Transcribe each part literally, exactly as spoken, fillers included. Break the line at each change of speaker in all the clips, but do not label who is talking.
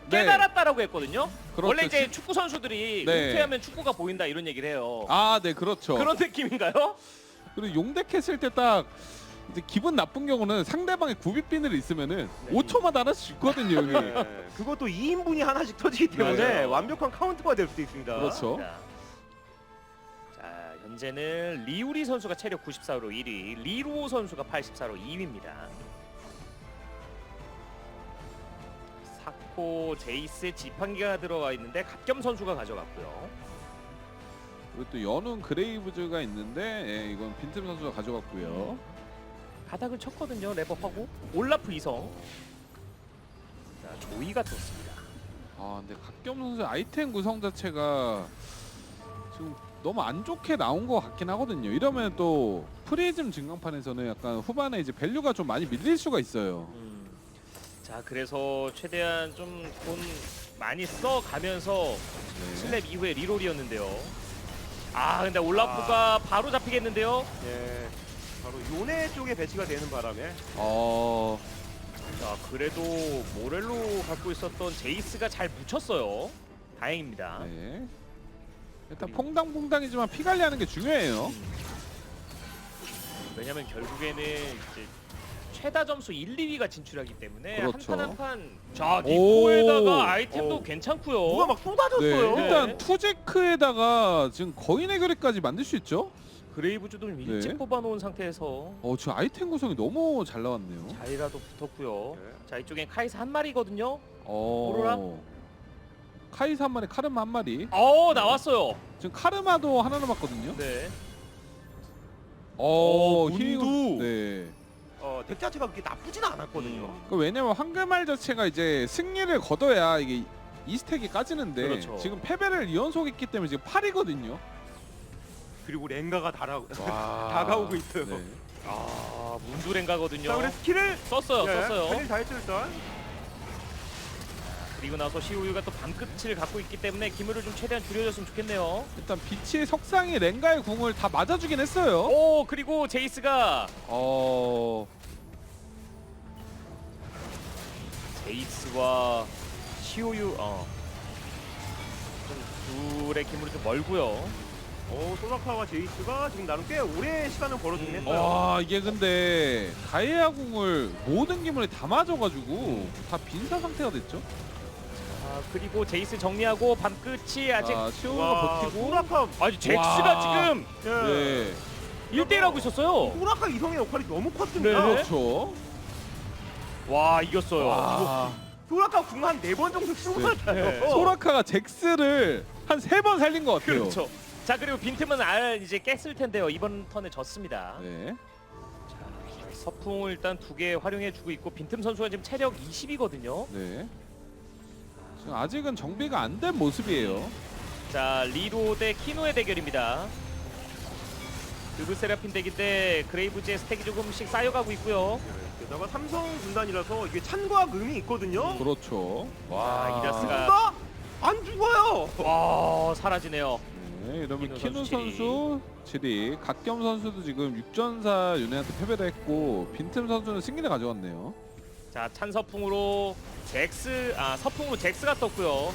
네.
깨달았다라고 했거든요.
그렇죠.
원래 이제 축구 선수들이
네.
은퇴하면 축구가 보인다 이런 얘기를 해요.
아, 네, 그렇죠.
그런 느낌인가요?
그리고 용덱했을 때 딱 이제 기분 나쁜 경우는 상대방의 구비비늘이 있으면은
네.
오 초마다 하나씩 죽거든요, 여기.
네. 그것도 이 인분이 하나씩 터지기 때문에
맞아요.
완벽한 카운터가 될 수도 있습니다.
그렇죠.
자, 자, 현재는 리우리 선수가 체력 구십사로 일 위, 리루오 선수가 팔십사로 이 위입니다. 사코 제이스의 지팡이가 들어가 있는데 갓겸 선수가 가져갔고요.
그리고 또 연운 그레이브즈가 있는데 예, 이건 빈틈 선수가 가져갔고요.
바닥을 쳤거든요. 랩업하고 올라프 이성. 자, 조이가 떴습니다.
아, 근데 갓겸 선수의 아이템 구성 자체가 지금 너무 안 좋게 나온 것 같긴 하거든요. 이러면 또 프리즘 증강판에서는 약간 후반에 이제 밸류가 좀 많이 밀릴 수가 있어요.
음. 자, 그래서 최대한 좀 돈 많이 써가면서
네.
슬랩 이후에 리롤이었는데요. 아, 근데 올라프가 바로 잡히겠는데요.
예, 바로 요네 쪽에 배치가 되는 바람에
어,
자, 그래도 모렐로 갖고 있었던 제이스가 잘 묻혔어요. 다행입니다.
네. 일단
그리고-
퐁당퐁당이지만 피 관리하는 게 중요해요.
음. 왜냐면 결국에는 이제 최다 점수 일, 이 위가 진출하기 때문에
그렇죠.
한 판 한 판. 자,
오.
니코에다가 아이템도
오.
괜찮고요.
누가 막 쏟아졌어요.
네, 일단
네.
투제크에다가 지금 거인의 결의까지 만들 수 있죠.
그레이브즈도 좀 일찍
네.
뽑아놓은 상태에서
어, 지금 아이템 구성이 너무 잘 나왔네요.
자리라도 붙었고요.
네.
자, 이쪽엔 카이사 한 마리거든요.
어,
오로라?
카이사 한 마리, 카르마 한 마리.
어, 나왔어요.
지금 카르마도 하나 남았거든요.
네.
어,
어,
힐-
문도.
네.
어, 덱 자체가 그렇게 나쁘진 않았거든요.
음.
그 왜냐면 황금알 자체가 이제 승리를 거둬야 이게 이 스택이 까지는데
그렇죠.
지금 패배를 이 연속했기 때문에 지금 팔이거든요.
그리고 랭가가 달아,
와.
다가오고 있어요.
네.
아, 문두랭가거든요.
자, 그래 스킬을
썼어요,
예,
썼어요.
스킬 다 했죠 일단.
그리고 나서 시우유가 또 밤끝을 갖고 있기 때문에 기물을 좀 최대한 줄여줬으면 좋겠네요.
일단 빛의 석상이 랭가의 궁을 다 맞아주긴 했어요.
오, 그리고 제이스가
어,
제이스와 시우유 어. 좀 둘의 기물이 좀 멀고요.
어, 소라카와 제이스가 지금 나름 꽤 오래 시간을 벌어주긴
음.
했어요.
와 이게 근데 가이아 궁을 모든 기물에 다 맞아가지고 다 빈사 상태가 됐죠.
아, 그리고 제이스 정리하고 밤끝이 아직
아, 시오가
와,
버티고.
소라카,
아니 잭스가
와.
지금
예.
네,
일 대 일 하고 있었어요.
소라카 이성의 역할이 너무 컸습니다.
네.
그렇죠.
와, 이겼어요.
와,
소라카 궁 한 네 번 정도 쓰고 살아요.
네.
소라카가 잭스를 한 세 번 살린 것 같아요.
그렇죠. 자, 그리고 빈틈은 알 이제 깼을 텐데요. 이번 턴에 졌습니다.
네.
자, 서풍을 일단 두 개 활용해주고 있고 빈틈 선수가 지금 체력 이십이거든요.
네. 지금 아직은 정비가 안 된 모습이에요.
자, 리로 대 키노의 대결입니다. 그브세라핀 덱인데 그레이브즈의 스택이 조금씩 쌓여가고 있고요.
게다가 삼성 군단이라서 이게 찬과 음이 있거든요.
그렇죠.
와, 이라스가
누가 안 죽어요.
와, 사라지네요.
네, 이러면
키누
키누
선수
선수 칠 위, 갓겸 선수도 지금 육전사 윤회한테 패배를 했고 빈틈 선수는 승리를 가져갔네요.
자, 찬 서풍으로 잭스 아 서풍으로 잭스가 떴고요.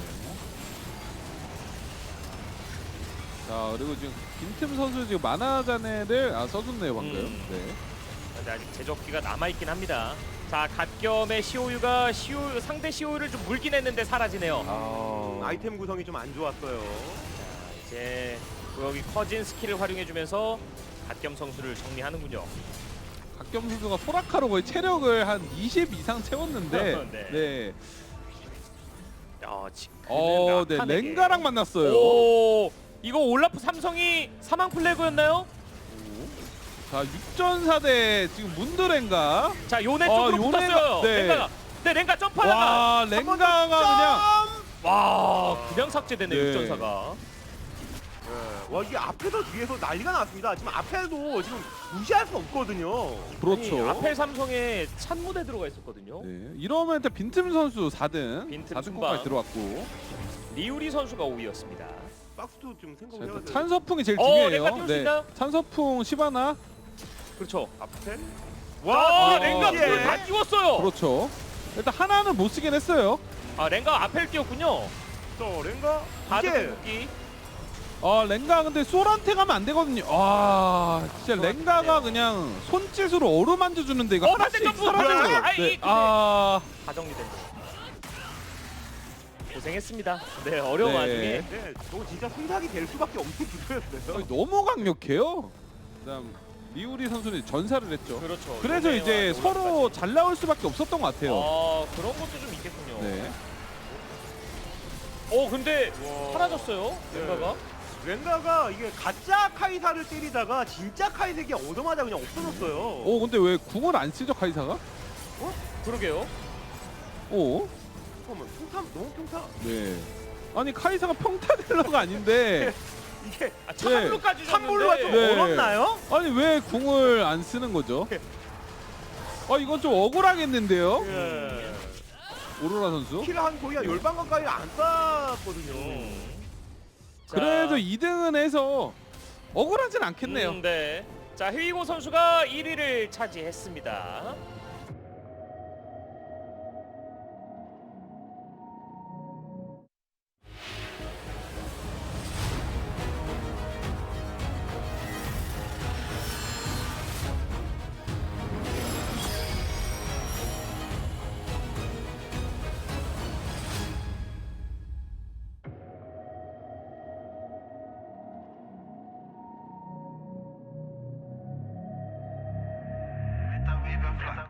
자 그리고 지금 빈틈 선수 지금 만화자네를 아 써줬네요 방금.
음.
네.
근데 아직 제적기가 남아있긴 합니다. 자, 갓겸의 시오유가 시오 상대 시오유를 좀 물긴 했는데 사라지네요.
아,
아이템 구성이 좀 안 좋았어요.
자, 이제 여기 커진 스킬을 활용해주면서 갓겸 선수를 정리하는군요.
갓겸 선수가 소라카로 거의 체력을 한 이십 이상 채웠는데.
네.
네.
야, 지금
어, 네
라칸에게.
랭가랑 만났어요.
오, 이거 올라프 삼성이 사망 플래그였나요?
자 육전사 대 지금 문드랭가.
자, 요네
어,
쪽으로
요네가-
붙었어요.
네.
랭가가. 네, 랭가 점프하다가
와 랭가가 그냥.
와, 그냥 삭제됐네
네.
육전사가.
네. 와 이게 앞에서 뒤에서 난리가 났습니다. 지금 앞에도 지금 무시할 수 없거든요.
그렇죠.
아니, 아펠 삼성에 찬무대 들어가 있었거든요.
네, 이러면 일단 빈틈 선수 사 등,
빈틈
사 등까지
순방.
들어왔고.
리우리 선수가 오 위였습니다.
박스도 좀
자,
생각을
일단
해야 돼요.
찬서풍이 제일
어,
중요해요.
랭가 띄울 수 있나요?
찬서풍 시바나.
그렇죠.
앞에
와,
어,
랭가
예.
불을 다 띄웠어요.
그렇죠. 일단 하나는 못 쓰긴 했어요.
아 랭가 앞에 뛰었군요.
저 랭가
바드
이게
궁극기.
아 랭가 근데 솔한테 가면 안 되거든요. 아 진짜
솔한테
랭가가
돼요.
그냥 손짓으로 어루만져 주는데 이거
어,
하나씩
반대 점프!
사라지는 거.
아이,
네.
근데-
아
다 정리된 거. 고생했습니다. 네 어려운
네.
와중에.
네, 저거 진짜 순삭이 될 수밖에 없는 구도였어요.
아니, 너무 강력해요. 그다음 리우리 선수는 전사를 했죠.
그렇죠.
그래서
요네와
이제
노라까지.
서로 잘 나올 수밖에 없었던 것 같아요.
아 그런 것도 좀 있겠군요.
네.
어 근데
와.
사라졌어요.
네.
랭가가.
랭가가 이게 가짜 카이사를 때리다가 진짜 카이색이 얻어맞아 그냥 없어졌어요.
오 근데 왜 궁을 안 쓰죠 카이사가?
그러게요.
오.
잠깐만, 평타 너무 평타.
네. 아니 카이사가 평타 딜러가 아닌데
이게
아, 참물로까지
산불로가 좀
네.
얼었나요?
아니 왜 궁을 안 쓰는 거죠? 아 이건 좀 억울하겠는데요?
예.
오로라 선수.
킬을 한 거의 한 열방 가까이 안 쌌거든요.
음. 자,
그래도 이 등은 해서 억울하진 않겠네요.
음, 네. 자, 헤이고 선수가 일 위를 차지했습니다.